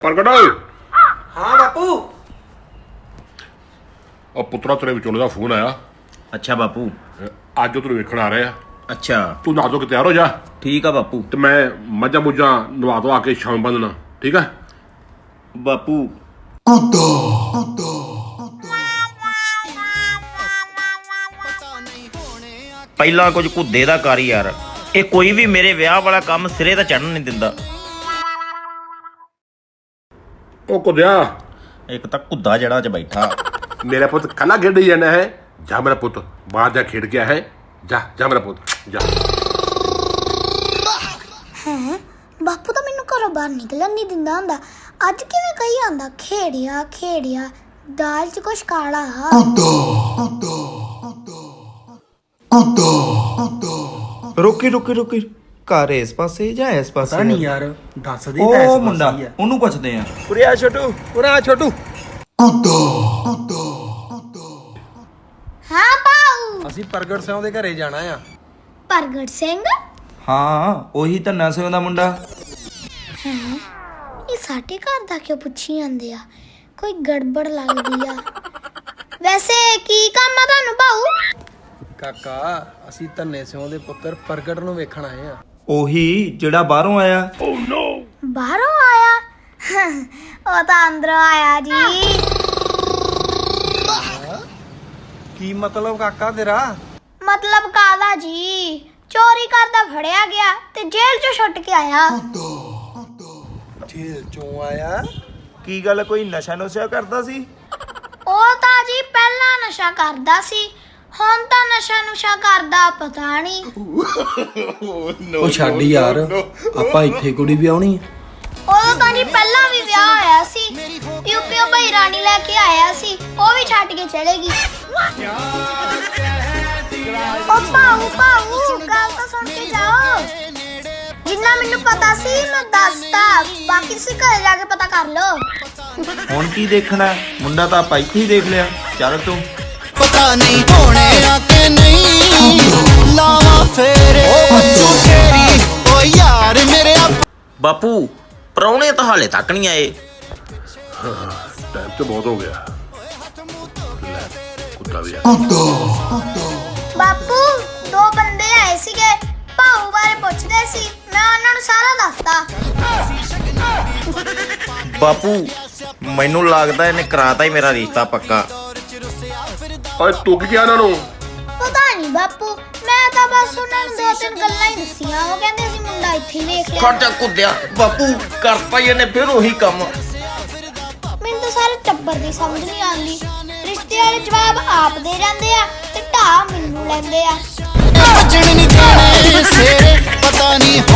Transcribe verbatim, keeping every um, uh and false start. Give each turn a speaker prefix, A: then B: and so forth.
A: ਪ੍ਰਗਟ
B: ਹਾਂ ਬਾਪੂ।
A: ਉਹ ਪੁੱਤਰਾ ਤੇਰੇ ਵਿਚੋਲੇ ਦਾ ਫੋਨ ਆਇਆ।
C: ਅੱਛਾ ਬਾਪੂ।
A: ਅੱਜ ਉਹ ਤੈਨੂੰ ਵੇਖਣ ਆ ਰਹੇ ਆ।
C: ਅੱਛਾ
A: ਤੂੰ ਨਹਾ ਧੋ ਕੇ ਤਿਆਰ ਹੋ ਜਾ।
C: ਠੀਕ ਆ ਬਾਪੂ।
A: ਤੇ ਮੈਂ ਮੱਝਾਂ ਮੁੱਝਾਂ ਨਵਾ ਧਵਾ ਕੇ ਸ਼ਾਮ ਬੰਦਣਾ, ਠੀਕ ਆ
C: ਬਾਪੂ। ਪਹਿਲਾਂ ਕੁਝ ਕੁੱਦੇ ਦਾ ਕਰ ਯਾਰ, ਇਹ ਕੋਈ ਵੀ ਮੇਰੇ ਵਿਆਹ ਵਾਲਾ ਕੰਮ ਸਿਰੇ ਤਾਂ ਚੜਨ ਨਹੀਂ ਦਿੰਦਾ।
A: ਉਹ ਕੁਦਿਆ,
C: ਇੱਕ ਤਾਂ ਕੁੱਦਾ ਜਿਹੜਾ ਚ ਬੈਠਾ।
A: ਮੇਰਾ ਪੁੱਤ ਕੱਲਾ ਖੇਡੀ ਜਾਣਾ ਹੈ। ਜਾ ਮੇਰਾ ਪੁੱਤ ਬਾਹਰ ਜਾ ਖੇਡ ਗਿਆ ਹੈ। ਜਾ ਜਾ ਮੇਰਾ ਪੁੱਤ ਜਾ।
D: ਹੈ ਬਾਪੂ ਤਾਂ ਮੈਨੂੰ ਘਰੋਂ ਬਾਹਰ ਨਿਕਲਣ ਨਹੀਂ ਦਿੰਦਾ ਹੁੰਦਾ। ਅੱਜ ਕਿਵੇਂ ਕਹੀ ਆਂਦਾ ਖੇੜਿਆ ਖੇੜਿਆ, ਦਾਲ 'ਚ ਕੁਛ ਕਾਲਾ।
E: ਰੁਕੀ ਰੁਕੀ ਰੁਕੀ ਘਰ ਇਸ ਪਾਸੇ ਜਾਂ ਇਸ ਪਾਸੇ?
B: ਪਤਾ ਨਹੀਂ ਯਾਰ, ਦੱਸ ਦੇ।
E: ਉਹ ਮੁੰਡਾ, ਉਹਨੂੰ ਪੁੱਛਦੇ ਆ।
B: ਉਰੇ ਆ ਛੋਟੂ, ਉਰੇ ਆ ਛੋਟੂ।
D: ਹਾਂ ਪਾਉ।
B: ਅਸੀਂ ਪ੍ਰਗਟ ਸਿੰਘ ਦੇ ਘਰੇ ਜਾਣਾ ਆ।
D: ਪ੍ਰਗਟ ਸਿੰਘ?
E: ਹਾਂ ਉਹੀ ਧੰਨਾ ਸਿੰਘ ਦਾ ਮੁੰਡਾ।
D: ਹੈ ਇਹ ਸਾਡੇ ਘਰ ਦਾ ਕਿਉਂ ਪੁੱਛੀ ਜਾਂਦੇ ਆ? ਕੋਈ ਗੜਬੜ ਲੱਗਦੀ ਆ। ਵੈਸੇ ਕੀ ਕੰਮ ਆ ਤੁਹਾਨੂੰ ਪਾਉ?
B: ਕਾਕਾ ਅਸੀਂ ਧੰਨੇ ਸਿੰਘ ਦੇ ਪੁੱਤਰ ਪ੍ਰਗਟ ਨੂੰ ਵੇਖਣ ਆਏ ਆ।
E: ਉਹੀ ਜਿਹੜਾ ਬਾਹਰੋਂ ਆਇਆ।
D: ਬਾਹਰੋਂ ਆਇਆ? ਉਹ ਤਾਂ ਅੰਦਰੋਂ ਆਇਆ ਜੀ।
B: ਕੀ ਮਤਲਬ ਕਾਕਾ ਤੇਰਾ?
D: ਮਤਲਬ ਕਾਲਾ ਜੀ, ਚੋਰੀ ਕਰਦਾ ਫੜਿਆ ਗਿਆ ਤੇ ਜੇਲ੍ਹ 'ਚੋਂ ਛੁੱਟ ਕੇ ਆਇਆ।
B: ਜੇਲ੍ਹ ਚੋਂ ਆਇਆ?
E: ਕੀ ਗੱਲ, ਕੋਈ ਨਸ਼ਾ ਨੁਸ਼ਾ ਕਰਦਾ ਸੀ?
D: ਉਹ ਤਾਂ ਜੀ ਪਹਿਲਾਂ ਨਸ਼ਾ ਕਰਦਾ ਸੀ, ਹੁਣ ਤਾਂ ਨਸ਼ਾ ਨੁਸ਼ਾ ਕਰਦਾ ਪਤਾ ਨਹੀਂ।
B: ਉਹ ਛੱਡ ਯਾਰ, ਆਪਾਂ ਇੱਥੇ ਕੁੜੀ ਵੀ ਆਉਣੀ ਆ।
D: ਉਦੋਂ ਤਾਂ ਜੀ ਪਹਿਲਾਂ ਵੀ ਵਿਆਹ ਹੋਇਆ ਸੀ। ਯੂਪੀਓ ਭਾਈ ਰਾਣੀ ਲੈ ਕੇ ਆਇਆ ਸੀ, ਉਹ ਵੀ ਛੱਡ ਕੇ ਚਲੇਗੀ। ਉਹ ਪਾਉ ਪਾਉ ਗੱਲ ਤਾਂ ਸੁਣ ਕੇ ਜਾਓ। ਜਿੰਨਾ ਮੈਨੂੰ ਪਤਾ ਸੀ ਮੈਂ ਦੱਸਤਾ, ਬਾਕੀ ਤੁਸੀਂ ਘਰੇ ਜਾ ਕੇ ਪਤਾ ਕਰ ਲਓ।
E: ਹੁਣ ਕੀ ਦੇਖਣਾ, ਮੁੰਡਾ ਤਾਂ ਆਪਾਂ ਇੱਥੇ ਹੀ ਦੇਖ ਲਿਆ। ਚੱਲ ਤੂੰ।
F: ਪਤਾ ਨਹੀਂ ਹੋਣੇ ਆ ਕਿ ਨਹੀਂ, ਲਾਵਾ ਫੇਰੇ ਤੇਰੀ ਓ ਯਾਰ ਮੇਰੇ।
C: ਬਾਪੂ ਪ੍ਰਾਹੁਣੇ ਤਾਂ ਹਾਲੇ ਤੱਕ ਨਹੀਂ ਆਏ।
A: ਟਾਈਮ ਤੇ ਬਹੁਤ ਹੋ ਗਿਆ। ਲੈ, ਕੁੱਤਾ ਵੀ ਆ।
D: ਬਾਪੂ ਦੋ ਬੰਦੇ ਆਏ ਸੀਗੇ, ਭਾਊ ਬਾਰੇ ਪੁੱਛਦੇ ਸੀ, ਮੈਂ ਉਹਨਾਂ ਨੂੰ ਸਾਰਾ ਦੱਸਤਾ।
C: ਬਾਪੂ ਮੈਨੂੰ ਲੱਗਦਾ ਇਹਨੇ ਕਰਾਤਾ ਹੀ ਮੇਰਾ ਰਿਸ਼ਤਾ ਪੱਕਾ।
A: ਓਏ ਤੂੰ ਕੀ ਕਿਹਾ ਉਹਨਾਂ ਨੂੰ?
D: ਪਤਾ ਨਹੀਂ ਬਾਪੂ, ਮੈਂ ਤਾਂ ਬਸ ਉਹਨਾਂ ਨੂੰ ਦੋ ਤਿੰਨ ਗੱਲਾਂ ਹੀ ਦੱਸੀਆਂ। ਉਹ ਕਹਿੰਦੇ ਸੀ ਮੁੰਡਾ ਇੱਥੇ ਹੀ ਵੇਖ ਲਿਆ।
C: ਖਰਚਾ ਕੁੱਦਿਆ ਬਾਪੂ, ਕਰਤਾ ਹੀ ਇਹਨੇ ਫਿਰ ਉਹੀ ਕੰਮ।
D: ਮੈਨੂੰ ਤਾਂ ਸਾਰੇ ਟੱਬਰ ਦੀ ਸਮਝ ਨਹੀਂ ਆਉਂਦੀ। ਰਿਸ਼ਤੇ ਵਾਲੇ ਜਵਾਬ ਆਪ ਦੇ ਜਾਂਦੇ ਆ ਤੇ ਢਾਹ ਮੈਨੂੰ ਲੈਂਦੇ ਆ।
F: ਬਚਣ ਨਹੀਂ ਦੇਣੇ ਸੇਰੇ, ਪਤਾ ਨਹੀਂ